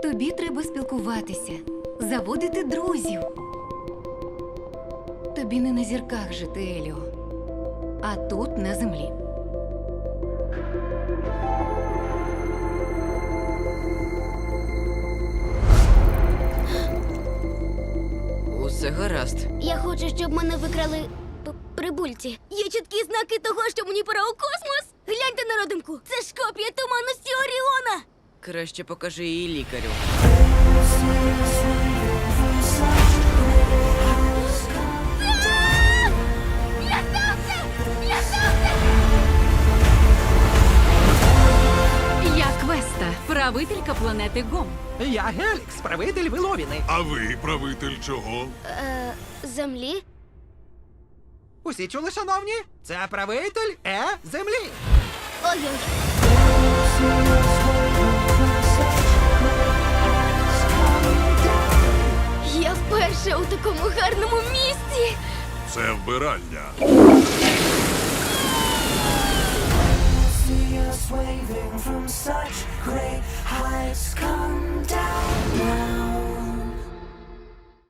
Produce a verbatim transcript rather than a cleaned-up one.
Тобі треба спілкуватися, заводити друзів. Тобі не на зірках жити, Еліо, а тут, на землі. Усе гаразд. Я хочу, щоб мене викрали п- прибульці. Є чіткі знаки того, що мені пора у космос. Гляньте на родимку. Це ж копія туманності Оріона. Краще покажи її лікарю. Рятуйте! Рятуйте! Я Квеста, правителька планети Гом. Я Гелікс, правитель Виловіни. А ви правитель чого? Е, землі? Усі чули, шановні? Це правитель Е землі. Ой-ой. Я вперше у такому гарному місці. Це вбиральня. See us waving from such great heights. Come down now.